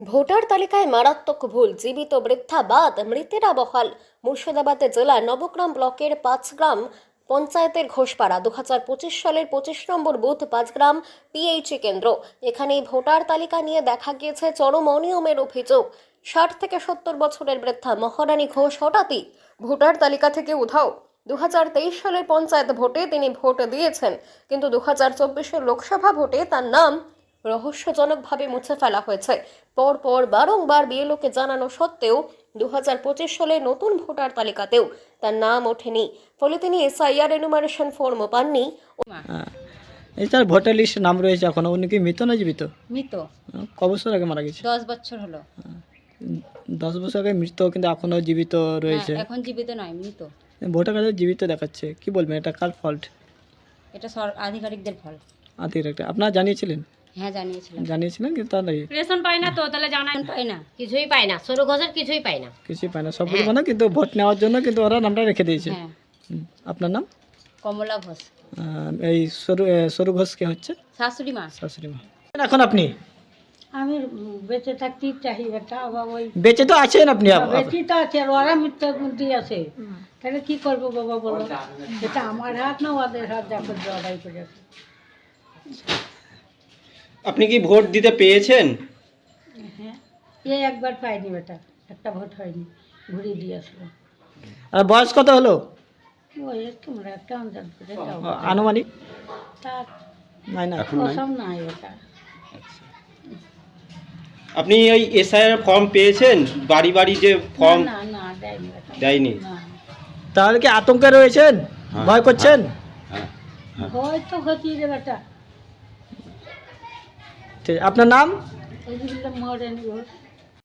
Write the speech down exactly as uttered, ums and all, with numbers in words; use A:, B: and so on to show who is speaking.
A: Voter তালিকায় মারাত্মক ভুল, জীবিত বৃদ্ধা বাদ, মৃতেরা বহাল। মুর্শিদাবাদ জেলার নবগ্রাম ব্লকের পাঁচগ্রাম পঞ্চায়েতের ঘোষপাড়া দু হাজার পঁচিশ সালের পঁচিশ নম্বর বুথ পাঁচগ্রাম পিএইচি কেন্দ্র। এখানে ভোটার তালিকা নিয়ে দেখা গিয়েছে চরম অনিয়মের অভিযোগ। ষাট থেকে সত্তর বছরের বৃদ্ধা মহারানী ঘোষ হঠাৎই ভোটার তালিকা থেকে উধাও। দু হাজার তেইশ সালের পঞ্চায়েত ভোটে তিনি ভোট দিয়েছেন, কিন্তু দু হাজার চব্বিশের লোকসভা ভোটে তার নাম রহস্যজনকভাবে মুছে ফেলা হয়েছে। পরপর বারংবার বিএলওকে জানানো সত্ত্বেও দু হাজার পঁচিশ সালে নতুন ভোটার তালিকাতেও তার নাম ওঠেনি। ফলে তিনি এসআইআর এনুমারেশন ফর্মও পাননি।
B: এছাড়া ভোটার লিস্টে নাম রয়েছে এখনো। উনি কি মৃত না জীবিত?
C: মৃত।
B: ক বছর আগে মারা গেছে?
C: দশ বছর হলো।
B: দশ বছর আগে মৃত, কিন্তু এখনো জীবিত রয়েছে।
C: হ্যাঁ, এখন জীবিত নয়, মৃত।
B: ভোটার কার্ডে জীবিত দেখাচ্ছে, কি বলবেন, এটা কার ফল্ট?
C: এটা সর আধিকারিকদের ফল।
B: আধিকারিক আপনারা জানিয়েছিলেন?
C: হ্যাঁ, জানিয়েছিলাম।
B: জানিয়েছিলেন কিন্তু তার
D: রেশন পায় না, তো তাহলে জানাই
C: পাই না,
D: কিছুই পায় না, সরু ঘষের কিছুই পায় না,
B: কিছুই পায় না, সব বলবো না, কিন্তু ভোট নেওয়ার জন্য কিন্তু ওরা নামটা রেখে দিয়েছে।
C: হ্যাঁ।
B: হুম, আপনার নাম?
C: কমলা ঘোষ।
B: আহ, এই সরু এ, সরু ঘোষ কে হচ্ছে?
C: শাশুড়ি মা।
B: শাশুড়ি মা। এখন আপনি
E: আমি বেঁচে থাকতেই চাই এটা, আবার ওই
B: বেঁচে তো আছেন আপনি? আপ- আপ-
E: বেঁচে তো আছে, আর ওরা মৃত্যু দিয়ে আছে, তাহলে কি করবো বাবা বলো? এটা আমার হাত না ওদের হাত, দেখো জড়াই করেছে।
F: আপনি কি ভোট দিতে পেয়েছেন?
E: হ্যাঁ, এই একবার পাইনি বেটা, একটা ভোট হয়নি, ঘুরিয়ে দিয়ে আসলো।
B: আর বয়স কত হলো
E: ওই তোমরা একটা আন্দাজ করে দাও,
B: আ- আনুমানিক?
E: তার
B: নাই না,
E: কসম নাই ওটা।
F: আপনি ওই এসআইআর ফর্ম পেয়েছেন? বাড়ি বাড়ি যে ফর্ম
E: না না দেয়নি বেটা,
F: দেয়নি?
E: না।
B: তাহলে কি আতঙ্কে রয়েছেন? ভয় করছেন?
E: ভয় তো হচ্ছি রে বেটা।
B: ঠিক, আপনার নাম?
E: এই যে মহারানী ঘোষ।